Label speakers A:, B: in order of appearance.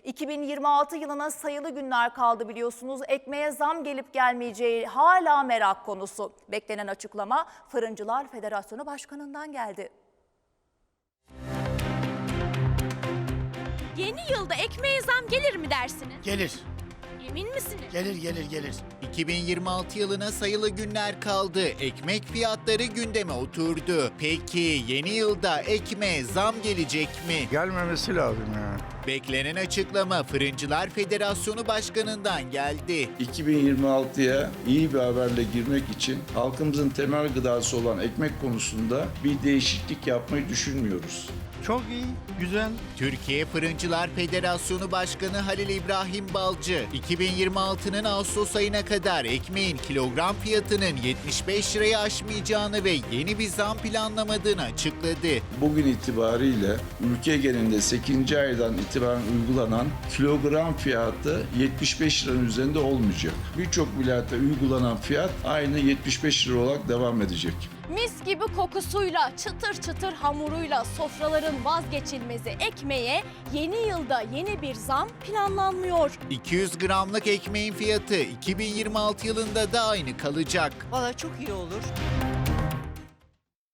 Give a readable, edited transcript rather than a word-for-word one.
A: 2026 yılına sayılı günler kaldı biliyorsunuz. Ekmeğe zam gelip gelmeyeceği hala merak konusu. Beklenen açıklama Fırıncılar Federasyonu Başkanı'ndan geldi.
B: Yeni yılda ekmeğe zam gelir mi dersiniz?
C: Gelir.
B: Emin misiniz?
C: Gelir.
D: 2026 yılına sayılı günler kaldı. Ekmek fiyatları gündeme oturdu. Peki yeni yılda ekmeğe zam gelecek mi?
E: Gelmemesi lazım ya.
D: Beklenen açıklama Fırıncılar Federasyonu Başkanı'ndan geldi.
F: 2026'ya iyi bir haberle girmek için halkımızın temel gıdası olan ekmek konusunda bir değişiklik yapmayı düşünmüyoruz.
E: Çok iyi, güzel.
D: Türkiye Fırıncılar Federasyonu Başkanı Halil İbrahim Balcı, 2026'nın Ağustos ayına kadar ekmeğin kilogram fiyatının 75 lirayı aşmayacağını ve yeni bir zam planlamadığını açıkladı.
F: Bugün itibariyle ülke genelinde 8. aydan itibaren uygulanan kilogram fiyatı 75 liranın üzerinde olmayacak. Birçok vilayette uygulanan fiyat aynı 75 lira olarak devam edecek.
B: Mis gibi kokusuyla, çıtır çıtır hamuruyla sofraların vazgeçilmezi ekmeğe yeni yılda yeni bir zam planlanmıyor.
D: 200 gramlık ekmeğin fiyatı 2026 yılında da aynı kalacak.
G: Valla çok iyi olur.